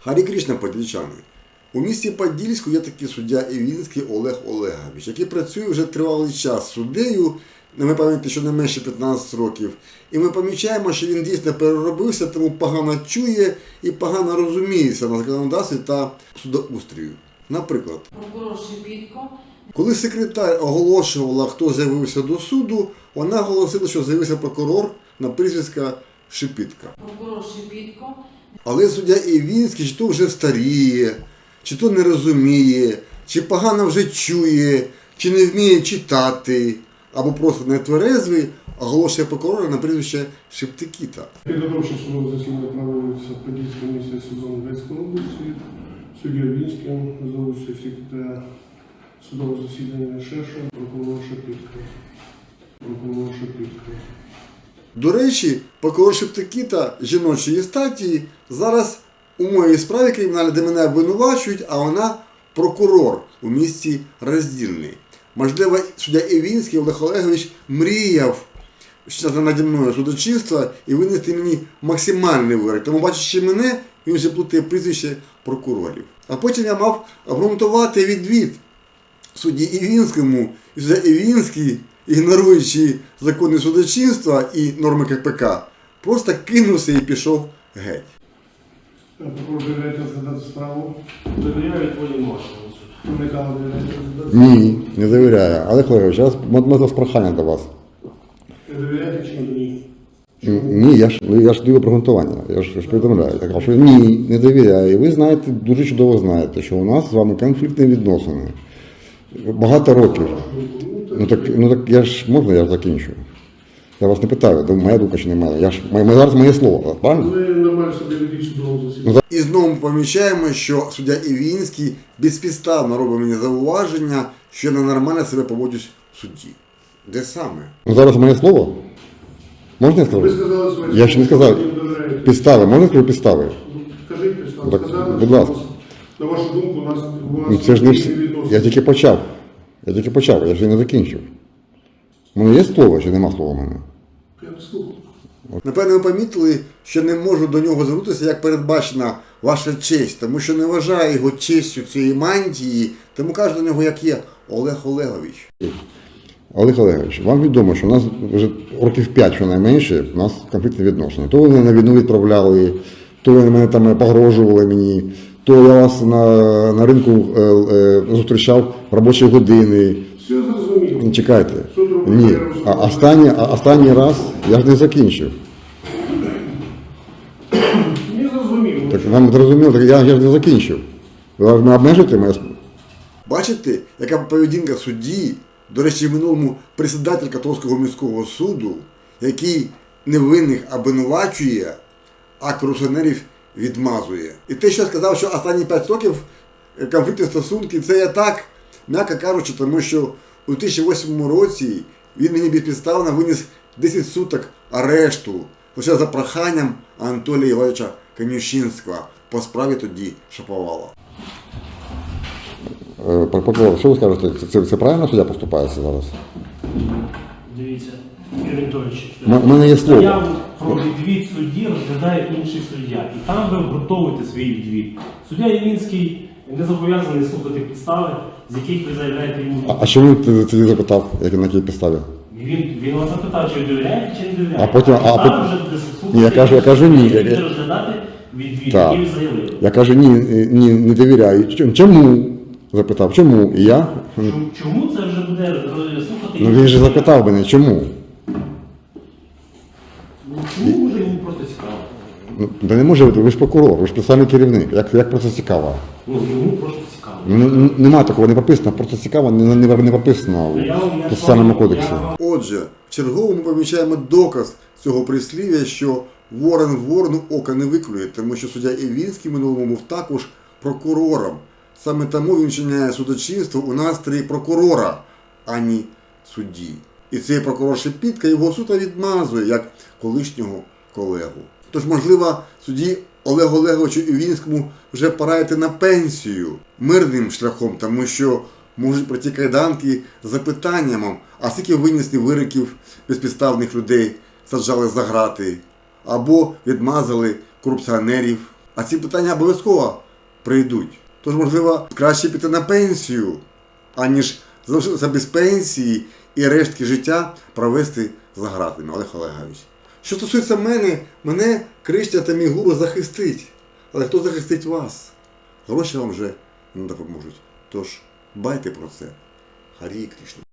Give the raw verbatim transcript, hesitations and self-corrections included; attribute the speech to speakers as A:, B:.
A: Харі Крішна, подільчани. У місті Подільську є такий суддя Івінський Олег Олегович, який працює вже тривалий час суддею, ми пам'ятаємо, що не менше п'ятнадцять років. І ми помічаємо, що він дійсно переробився, тому погано чує і погано розуміється на законодавстві та судоустрію. Наприклад, коли секретар оголошувала, хто з'явився до суду, вона оголосила, що з'явився прокурор на прізвисько Шипітка. Але суддя Івінський чи то вже старіє, чи то не розуміє, чи погано вже чує, чи не вміє читати, або просто не тверезвий, оголошує прокурора на прізвище Шептикіта.
B: Підготовче судове засідання проводиться в Подільському місті судом Одеської області. Суддя Івінським за участю секретаря судового засідання Шеша, прокурор Шепітка. Прокурор Шепітка.
A: До речі, прокурор Шептикіта жіночої статі зараз у моїй справі кримінальній, де мене обвинувачують, а вона прокурор у місті Роздільний. Можливо, суддя Івінський Олег Олегович мріяв щодо наді мною судочинства і винести мені максимальний вирок. Тому, бачачи мене, він вже плутає прізвище прокурорів. А потім я мав обґрунтувати відвід судді Івінському, і суддя Івінський, ігноруючи закони судочинства і норми Ка Пе Ка, просто кинувся і пішов геть.
B: Прокурор довіряєте розглядати справу?
C: Довіряю твоїм машинам.
B: Уникали довіряєте розглядати?
A: Ні, не довіряю. Олег Олегович, зараз можна прохання до вас.
B: Не довіряєте чи ні?
A: Ні, я ж, я ж даю обґрунтування, я ж, я ж повідомляю. Я кажу, що ні, не довіряю. І ви знаєте, дуже чудово знаєте, що у нас з вами конфліктні відносини. Багато років. Ну так, ну так я ж, можна я закінчу? Я вас не питаю, моя думка чи не моя. Я ж, моє, зараз моє слово, правильно?
B: Ви нормально собі ведіть судового засідання.
A: І знову ми помічаємо, що суддя Івінський безпідставно робить мені зауваження, що я ненормально себе поводжусь в суді. Де саме? Ну зараз моє слово? Можна я скажу?
B: Ви сказали своє
A: Я ще не сказав.
B: слово, не довіряєте.
A: Підстави, можна сказати підстави?
B: Скажіть підставу.
A: Так,
B: Сказали,
A: будь
B: що
A: ласка.
B: у вас, на вашу думку, у нас, у
A: Ну,
B: вас
A: це ж не
B: конфліктні
A: вс-
B: відносини.
A: Я тільки почав. Я тільки почав, я ще не закінчив. У мене є слово, чи нема слова в мене?
B: Я слухаю.
A: Напевно, ви помітили, що не можу до нього звернутися, як передбачена ваша честь, тому що не вважаю його честю цієї мантії, тому кажу до нього, як є, Олег Олегович. Олег Олегович, вам відомо, що у нас вже років п'ять, щонайменше, у нас конфліктні відношення. То ви мене на війну відправляли, то ви мене там погрожували мені, то я вас на, на ринку е, е, зустрічав в робочі години.
B: Все зрозуміло.
A: Чекайте.
B: Суд робить
A: Ні,
B: перерву
A: а
B: судового
A: останній, а останній раз я ж не закінчив.
B: Не зрозуміло.
A: Так вам зрозуміло, так я, я ж не закінчив. Ви не обмежуєте мене? Бачите, яка поведінка судді, до речі, в минулому председатель Котовського міського суду, який невинних обвинувачує, а корупціонерів відмазує. І те, що я сказав, що останні п'ять років конфліктні стосунки, це я так, м'яко кажучи, тому що у дві тисячі восьмому році він мені безпідставно виніс десять суток арешту, лише за проханням Анатолія Івановича Конюшинського по справі тоді Шаповала. Прокурор, що ви скажете, це, це, це правильно суддя поступає зараз?
C: Дивіться, Юрій Анатолійович,
A: У мене є слово.
C: заяву про відвід судді розглядає інший суддя. І там ви готуєте свій відвід. Суддя Івінський не зобов'язаний слухати підстави, з яких ви заявляєте йому.
A: А, а чому ти тоді запитав, як на якій підставі?
C: Він, він вас запитав, чи ви довіряєте, чи не довіряєте.
A: А потім- а
C: Підстави
A: потім-
C: вже буде слухати,
A: Ні, я кажу- я кажу ні.
C: ви
A: Я-
C: будете розглядати відвід,
A: Так.
C: який ви заявили.
A: Я кажу, ні, ні, не довіряю. Чому? Чому? Запитав, чому? І я?
C: Чому- Чому це вже буде е, слухати?
A: Ну він же запитав мене, чому?
C: Ну, чому може йому просто цікаво?
A: Ну, да не може бути, ви ж прокурор, ви ж спеціальний керівник. Як, як просто цікаво?
C: Ну, йому просто цікаво.
A: Ну, н- нема такого, не прописано, просто цікаво, не, не, не прописано
C: Ну, я вам- я
A: в Процесуальному
C: ж вам-
A: кодексі.
C: я вам-
A: Отже, чергово ми помічаємо доказ цього прислів'я, що ворон ворону ока не виклює, тому що суддя Івінський минулому був також прокурором. Саме тому він вчиняє судочинство у настрої прокурора, а не судді. І цей прокурор Шепітка його суто відмазує, як колишнього колегу. Тож, можливо, судді Олегу Олеговичу Івінському вже пора йти на пенсію мирним шляхом, тому що можуть прийти кайданки з запитанням, а скільки винесли вироків безпідставних людей, саджали за грати, або відмазали корупціонерів. А ці питання обов'язково прийдуть. Тож, можливо, краще піти на пенсію, аніж залишитися без пенсії і рештки життя провести за ґратами, Олег Олегович. Що стосується мене, мене Кришта та мій гуру захистить. Але хто захистить вас? Гроші вам вже не допоможуть. Тож, дбайте про це. Харі Кришна.